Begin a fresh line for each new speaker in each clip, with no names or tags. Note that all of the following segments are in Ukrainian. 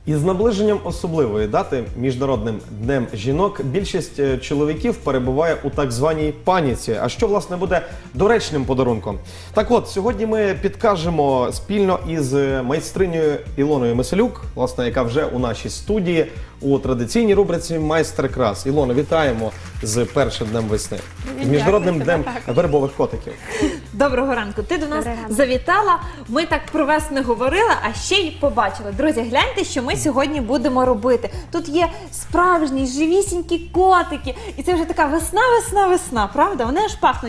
Із наближенням особливої дати – Міжнародним днем жінок, більшість чоловіків перебуває у так званій паніці. А що, власне, буде доречним подарунком? Так от, сьогодні ми підкажемо спільно із майстринею Ілоною Миселюк, власне, яка вже у нашій студії у традиційній рубриці «Майстер-клас». Ілоно, вітаємо з першим днем весни, з Міжнародним днем вербових котиків.
Доброго ранку. Ти до нас завітала, ми так про вас не говорили, а ще й побачили. Друзі, гляньте, що ми сьогодні будемо робити. Тут є справжні, живісінькі котики. І це вже така весна, весна, весна, правда? Вони аж пахнуть.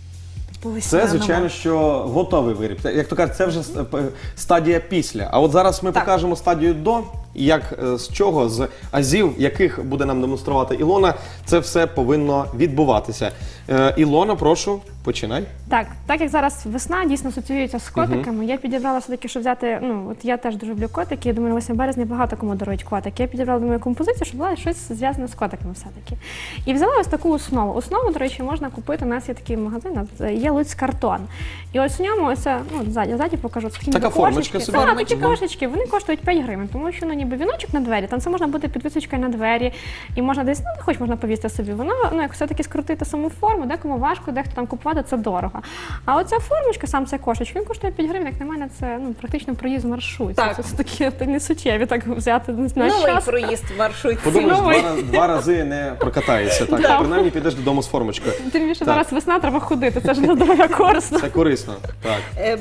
Це, звичайно, що готовий виріб. Як то кажуть, це вже стадія після. А от зараз ми покажемо стадію до, як, з чого, з азів, яких буде нам демонструвати Ілона, це все повинно відбуватися. Ілона, прошу, починай.
Так як зараз весна дійсно асоціюється з котиками, я підібрала все-таки, щоб взяти, от я теж дуже люблю котики, я думаю, 8 березня багато кому дарують котики. Я підібрала, думаю, композицію, щоб була щось зв'язане з котиками все-таки. І взяла ось таку основу. Основу, до речі, можна купити, у нас є такий магазин, є Луцьк картон. І ось у ньому, ось, ззаді покажу,
така формочка собі.
Так, такі кошечки, вони коштують 5 гривень, тому що, ніби віночок на двері, там це можна буде підвісочкою на двері, і можна десь, не хоч можна повісти собі, воно, як все-таки скрутити саму форму, декому важко, дехто там купувати, це дорого. А оця формочка, сам цей кошечок, він коштує 5 гривень, як на мене, це практично проїзд в маршрутці. Це такі несуттєві, так взяти на час.
Новий проїзд в маршрутці.
Подумаєш, два рази не прокатаєшся, так, принаймні підеш додому з формочкою.
Тим більше зараз весна, треба ходити, це ж для здоров'я корисно.
Це корисно, так.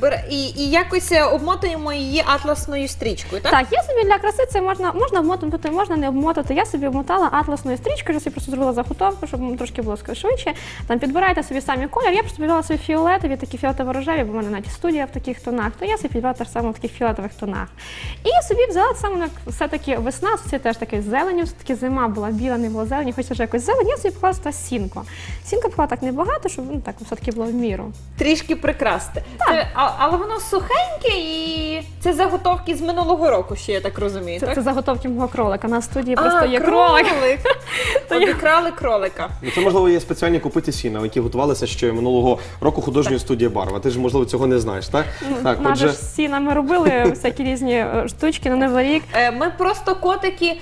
І якось обмотуємо її атласною стрічкою, так?
Так, я собі для краси це можна обмотувати, можна не обмотати. Я собі обмотала атласною стрічкою, я собі просто зробила заготовку, щоб трошки було швидше. Там підбирайте собі самі колір. Я просто підбирала собі фіолетові, такі фіолетово-рожеві, бо в мене навіть студія в таких тонах, то я собі підбирала теж саме в таких фіолетових тонах. І я собі взяла саме все-таки весна, це теж таке зеленю, все-таки зима була біла, не було зелені, хочеться вже якось зелень, я собі поклала сюди сінку. Сінка поклала так небагато, щоб так все-таки було в міру.
Трішки прикрасти. Але воно сухеньке і це заготовки з минулого року ще, я так розумію, так?
Це заготовки мого кролика. На студії просто є кролик.
Обікрали кролика.
Це, можливо, є спеціальні купиті сіна, які готувалися ще минулого року художньої студії «Барва». Ти ж, можливо, цього не знаєш, так?
Наше ж сіна ми робили всякі різні штучки на Новий рік.
Ми просто котики,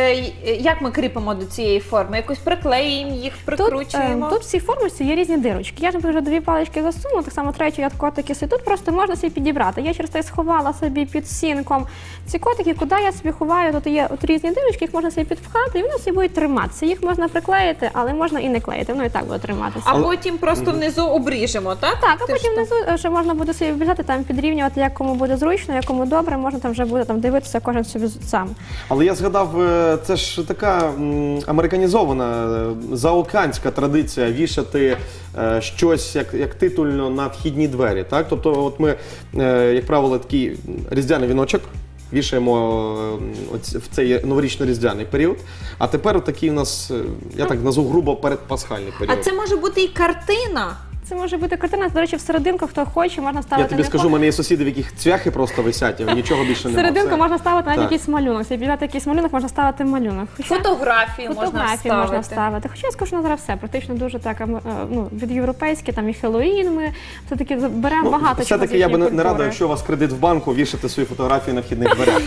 як ми кріпимо до цієї форми? Якось приклеїмо їх, прикручуємо?
Тут в цій формочці є різні дирочки. Я ж вже 2 палички засунула, так само третю я котики собі. Тут просто можна собі підібрати. Я через те сховала собі під сінком ці котики, куди я собі ховаю, тут є різні дирочки, їх можна собі підпхати, і вони собі будуть триматися. Їх можна приклеїти, але можна і не клеїти, воно і так буде триматися.
А потім просто внизу обріжемо, так?
Так, а потім внизу ще можна буде собі обрізати, там підрівнювати, як кому буде зручно, як кому добре, можна там вже буде дивитися кожен собі сам.
Але я згадав, це ж така американізована, заокеанська традиція вішати щось як титульно на вхідні двері, так? Тобто от ми, як правило, такий різдвяний віночок вішаємо в цей новорічно-різдвяний період, а тепер такий у нас, я так назву грубо, передпасхальний період.
А це може бути і картина?
Це може бути картина, до речі, в серединку, хто хоче, можна ставити.
Я тобі скажу, у мене є сусіди, в яких цвяхи просто висять, а нічого більше немає.
В серединку можна ставити навіть якийсь малюнок. Якщо підбирати якийсь малюнок, можна ставити малюнок.
Фотографії можна
ставити. Хоча я скажу, що зараз все, практично дуже так, від європейськи, там і Хеллоуін ми все-таки беремо багато чого.
Все-таки я би не радив, якщо у вас кредит в банку, вішати свої фотографії на вхідних дверях.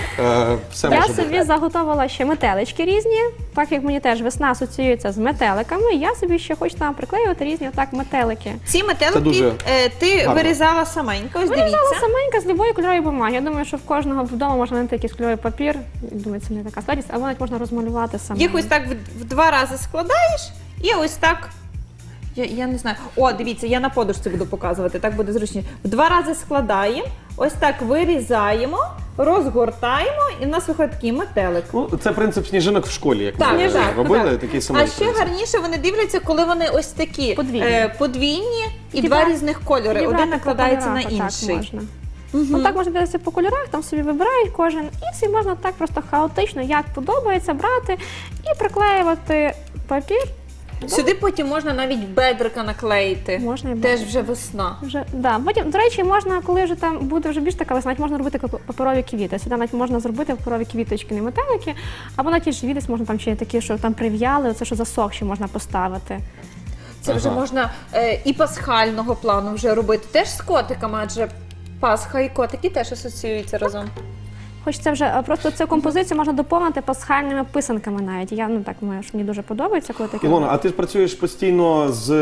Я собі заготовила ще метелички різні, так як мені теж весна асоціюється з метеликами, я собі ще хочу там приклеювати різні отак метелики.
Ці метелики ти вирізала саменько, ось дивіться.
Вирізала саменько з любої кольорової бумаги. Я думаю, що в кожного вдома можна знайти якийсь кольоровий папір. Думаю, це не така складність, або навіть можна розмалювати самому.
Їх ось так в 2 рази складаєш і ось так. Я не знаю. О, дивіться, я на подушці буду показувати, так буде зручніше. В 2 рази складаємо, ось так вирізаємо, розгортаємо, і в нас виходить такий метелик.
Це принцип сніжинок в школі, як ми робили, такий самий принцип.
А ще гарніше вони дивляться, коли вони ось такі подвійні і 2 різних кольори. Один накладається на інший.
Отак можна дивитися по кольорах, там собі вибирають кожен, і собі можна так просто хаотично, як подобається, брати і приклеювати папір.
Сюди потім можна навіть бедрика наклеїти.
Можна і
теж вже весна.
Потім, до речі, можна, коли вже там буде вже більш така весна, можна робити паперові квіти. Сюди навіть можна зробити паперові квіточки, не метелики, або навіть ті ж десь можна там ще такі, що там прив'яли, оце що засохші можна поставити.
Це вже можна і пасхального плану вже робити. Теж з котиками, адже Пасха і котики теж асоціюються разом.
Хочеться вже просто цю композицію можна доповнити пасхальними писанками навіть. Я так маю, що мені дуже подобається, коли таке.
Ілона, а ти ж працюєш постійно з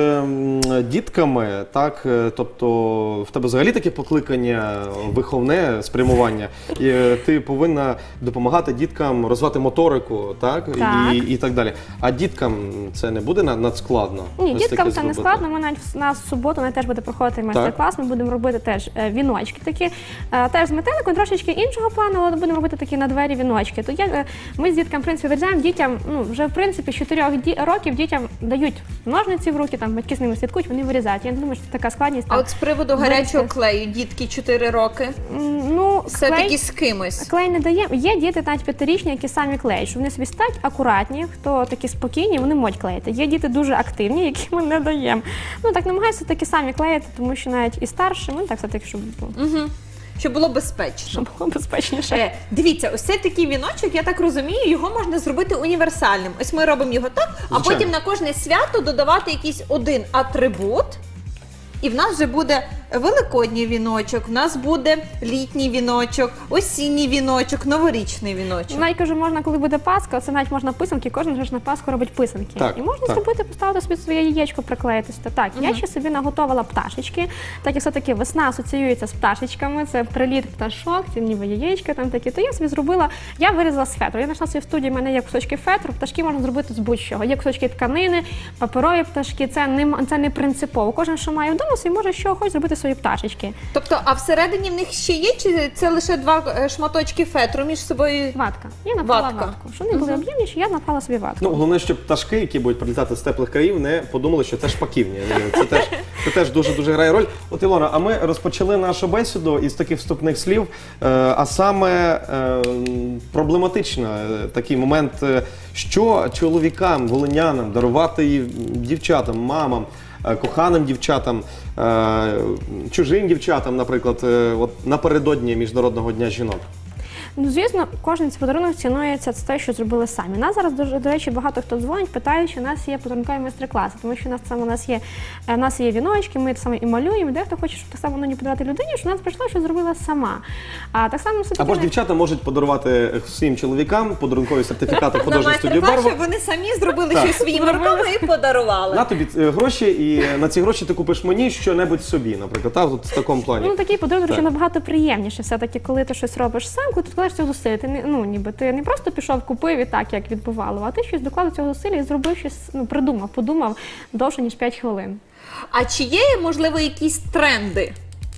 дітками, так? Тобто в тебе взагалі таке покликання, виховне спрямування, і ти повинна допомагати діткам розвивати моторику, так?
Так.
І так далі. А діткам це не буде надскладно?
Ні,
ось
діткам
таке
це не
зробити?
складно. Ми навіть на суботу теж буде проходити майстер-клас. Ми будемо робити теж віночки такі, теж з метеликом, трошечки іншого плану, але будемо робити такі на двері віночки. То ми з дітками, в принципі, вирізаємо дітям, вже в принципі з 4 років дітям дають ножниці в руки, там батьки з ними слідкують, вони вирізають. Я не думаю, що це така складність.
А от з приводу гарячого клею, дітки 4 роки,
Ну,
все-таки з кимось.
клей не дає. Є діти навіть 5-річні, які самі клеють, що вони собі стають акуратні, хто такі спокійні, вони можуть клеїти. Є діти дуже активні, які ми не даємо. Ну так намагаюся таки самі клеїти, тому що навіть і старші, так все-таки, щоб
Щоб було безпечно.
було безпечніше.
Дивіться, ось цей такий віночок, я так розумію, його можна зробити універсальним. Ось ми робимо його так, а
Звичайно.
потім на кожне свято додавати якийсь один атрибут. І в нас вже буде великодній віночок, в нас буде літній віночок, осінній віночок, новорічний віночок.
Навіть кажу, можна, коли буде Пасха, це навіть можна писанки, кожен ж на Пасху робить писанки.
Так,
І можна
так.
зробити, поставити собі своє яєчко, приклеїти. Так, я ще собі наготовила пташечки, так як все-таки весна асоціюється з пташечками, це приліт пташок, це ніби яєчка там такі. То я собі зробила, я вирізала з фетру. Я знайшла собі в студії, в мене є кусочки фетру, пташки можна зробити з будь-чого. Є кусочки тканини, паперові пташки, це не принципово. Кожен, що має вдома, собі може що хоче зробити свої пташечки.
Тобто, а всередині в них ще є, чи це лише 2 шматочки фетру між собою?
Ватка. Я напала
Ватка.
ватку. Щоб вони були об'ємніші, я напала собі ватку.
Ну, головне, щоб пташки, які будуть прилітати з теплих країв, не подумали, що це шпаківні. Це теж дуже-дуже грає роль. От, Ілона, а ми розпочали нашу бесіду із таких вступних слів, а саме проблематично такий момент, що чоловікам, волинянам дарувати і дівчатам, мамам, коханим дівчатам, чужим дівчатам, наприклад, от напередодні Міжнародного дня жінок.
Ну, звісно, кожен цей подарунок цінується з те, що зробили самі. Нас зараз, до речі, багато хто дзвонить, питають, чи у нас є подарункові майстер-класи, тому що у нас є віночки, ми так само і малюємо, дехто хоче, щоб так само не подарувати людині, що нас прийшло, що зробила сама. А так само
Або ж дівчата можуть подарувати своїм чоловікам подарункові сертифікати в художню студію
майстер-клас,
«Барва».
щоб вони самі зробили
Так.
щось своїми руками і подарували.
На тобі гроші, і на ці гроші ти купиш мені що-небудь собі, наприклад, так, от в такому плані.
Ну, такий подарунок,
Так.
що набагато приємніше все-таки, коли ти щось робиш сам, коли ти вкладаєш цього зусилля. Ти не просто пішов, купив і так, як відбувало, а ти щось доклав цього зусилля і зробив щось, подумав довше, ніж 5 хвилин.
А чи є, можливо, якісь тренди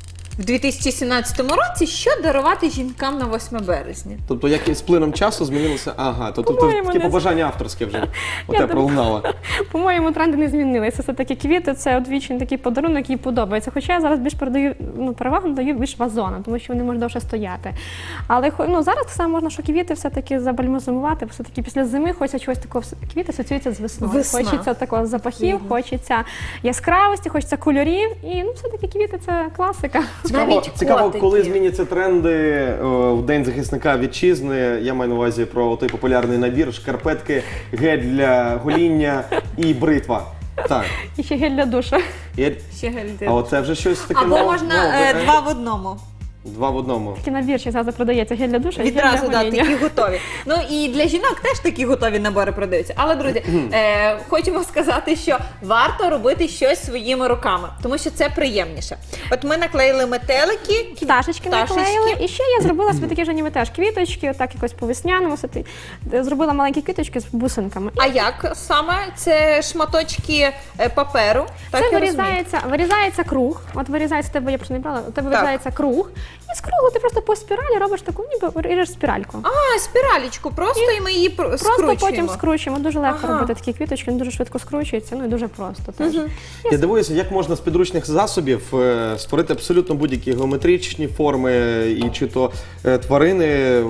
в 2017 році, що дарувати жінкам на 8 березня?
Тобто, як і з плином часу змінилося, тобто
По-моєму,
таке
не-
побажання авторське вже у
Я
тебе пролунало.
По-моєму, тренди не змінилися. Все-таки квіти – це одвічний такий подарунок, який подобається. Хоча я зараз більш перевагу надаю більш вазонам, тому що вони можуть довше стояти. Але зараз так само можна, що квіти все-таки забальзамувати, все-таки після зими хочеться чогось такого. Квіти асоціюються з весною.
Весна.
Хочеться такого запахів, хочеться яскравості, хочеться кольорів. І все-таки квіти – це класика.
Цікаво,
котики.
коли зміняться тренди в День захисника вітчизни. Я маю на увазі про той популярний набір: шкарпетки, гель для гоління і бритва. Так.
І ще гель для душу.
Ще гельди.
А оце вже щось таке
Або
нове.
можна 2 в одному.
2 в одному.
Такий набір ще завжди продається гель для душу і гель
Відразу,
для гоління.
такі готові. Ну і для жінок теж такі готові набори продаються. Але, друзі, хочемо сказати, що варто робити щось своїми руками, тому що це приємніше. От ми наклеїли метелики,
Пташечки наклеїли. І ще я зробила собі такі ж ніби теж квіточки, отак якось по весняному. Зробила маленькі квіточки з бусинками.
А як саме? Це шматочки паперу? Так,
Це
я розумію.
вирізається круг. От вирізається, в тебе я просто не брала, у тебе вирізається круг. І з кругу ти просто по спіралі робиш таку, ніби ріжеш спіральку.
А, спіралічку просто, і ми її
Просто
скручуємо.
потім скручуємо. Дуже легко
Ага.
робити такі квіточки, вони дуже швидко скручуються, ну і дуже просто теж.
Я дивуюся, як можна з підручних засобів створити абсолютно будь-які геометричні форми, і чи то тварини,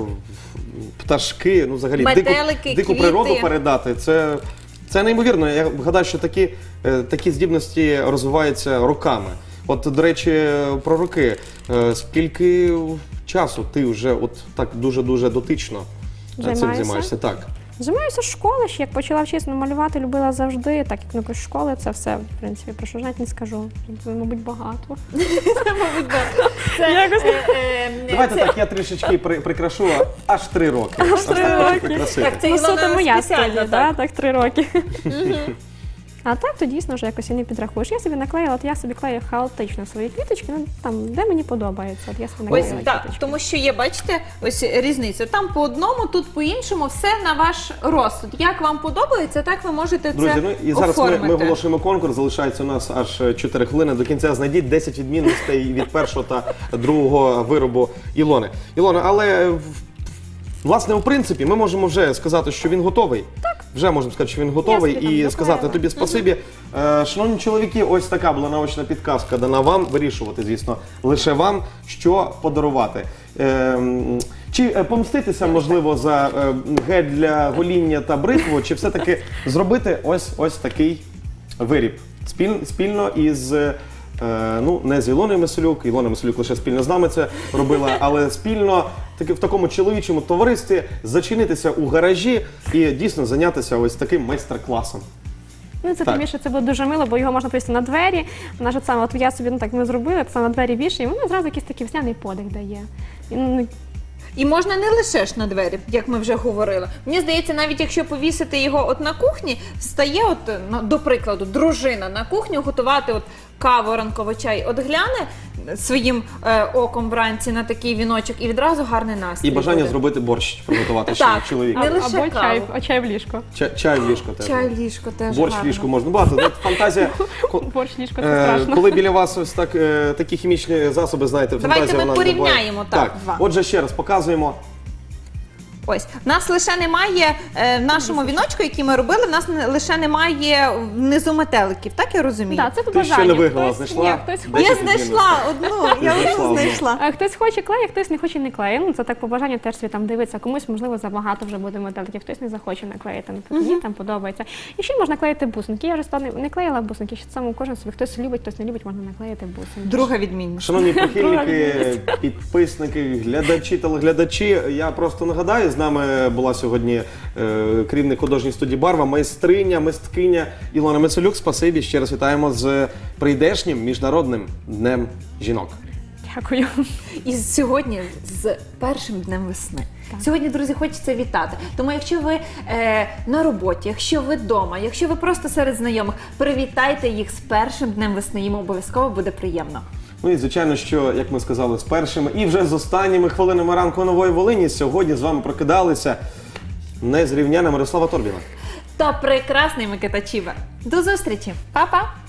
пташки, ну взагалі
Метелики,
дику
квіти.
природу передати. Це неймовірно. Я гадаю, що такі здібності розвиваються роками. От, до речі, про роки. Скільки часу ти вже от так дуже-дуже дотично цим
Займаюся?
займаєшся? Так.
Займаюся з школи, ще як почала вчитися малювати, любила завжди, так як з школи це все, в принципі, про що ж навіть не скажу. Це, мабуть, багато.
Це,
давайте так, я трішечки прикрашу, аж 3 роки. Аж
3 роки.
Так, це
Ну,
Ілона
суто моя
спеціально,
студія,
так.
так, 3 роки. А так, то дійсно вже якось і не підрахуєш. Я собі наклеїла, от я собі клею хаотично свої квіточки, ну там, де мені подобається. От я собі
Ось
наклеїла
так,
квіточки.
тому що є, бачите, ось різниця. Там по одному, тут по іншому, все на ваш розсуд. Як вам подобається, так ви можете
Друзі,
це
ну і зараз
оформити.
ми оголошуємо конкурс. Залишається у нас аж 4 хвилини. До кінця знайдіть 10 відмінностей від першого та другого виробу Ілони. Ілона, але власне, у принципі, ми можемо вже сказати, що він готовий. Так. Вже можемо сказати, що він готовий,
собі там
і сказати
доклеїла.
тобі спасибі. Шановні чоловіки, ось така була наочна підказка дана вам. Вирішувати, звісно, лише вам, що подарувати. Чи помститися, можливо, за гель для гоління та бритву, чи все-таки зробити ось такий виріб спільно із, ну, не з Ілоною Меселюк, Ілона Меселюк лише спільно з нами це робила, але спільно в такому чоловічому товаристві зачинитися у гаражі і дійсно зайнятися ось таким майстер-класом.
Ну, це
Так.
тим більше це буде дуже мило, бо його можна повісити на двері. Вона ж от саме, от я собі, ну так, ми зробили, це на двері більше, і воно зразу якийсь такий весняний подих дає. І, ну,
І можна не лише ж на двері, як ми вже говорили. Мені здається, навіть якщо повісити його от на кухні, стає от, ну, до прикладу, дружина на кухню готувати от каву, ранковий чай, от гляне своїм оком вранці на такий віночок і відразу гарний настрій
І бажання
буде.
зробити борщ приготувати ще
Так.
чоловік.
Не лише
або чай,
каву.
чай в ліжко.
Чай в ліжко теж.
Чай в ліжко теж
Борщ в
гарно.
ліжку можна. Багато. От фантазія.
Борщ в ліжко, це страшно.
Коли біля вас ось так такі хімічні засоби, знаєте,
Давайте
фантазія
ми
вона буває.
порівняємо так, два.
Отже, ще раз показуємо.
Ось, в нас лише немає в нашому віночку, який ми робили, в нас лише немає внизу метеликів, так я розумію?
Так, це по
Ти ще
бажанню.
не виграла,
Хтось-
знайшла?
Ні, хтось
Десять
хоче.
Я
відмінностей.
знайшла одну, я
знайшла
одну
одну.
знайшла.
А хтось хоче клеє, хтось не хоче не клеє. Ну, це так по бажанню теж собі там дивиться. Комусь, можливо, забагато вже буде метеликів, хтось не захоче наклеїти. Мені там подобається. І ще й можна клеїти бусинки. Я вже не клеїла бусинки, ще саме кожен собі. Хтось любить, хтось не любить, можна наклеїти бусинки.
Друга відмінність.
Шановні прихильники, підписники, глядачі, телеглядачі, я просто нагадаю, з нами була сьогодні керівник художньої студії «Барва», майстриня, мисткиня Ілона Меселюк. Спасибі, ще раз вітаємо з прийдешнім Міжнародним днем жінок.
Дякую.
І сьогодні з першим днем весни. Сьогодні, друзі, хочеться вітати. Тому якщо ви на роботі, якщо ви вдома, якщо ви просто серед знайомих, привітайте їх з першим днем весни. Їм обов'язково буде приємно.
Ну і звичайно, що, як ми сказали, з першими і вже з останніми хвилинами ранку Нової Волині сьогодні з вами прокидалися незрівняна Мирослава Торбіна.
Та прекрасний Микита Чібер. До зустрічі. Па-па!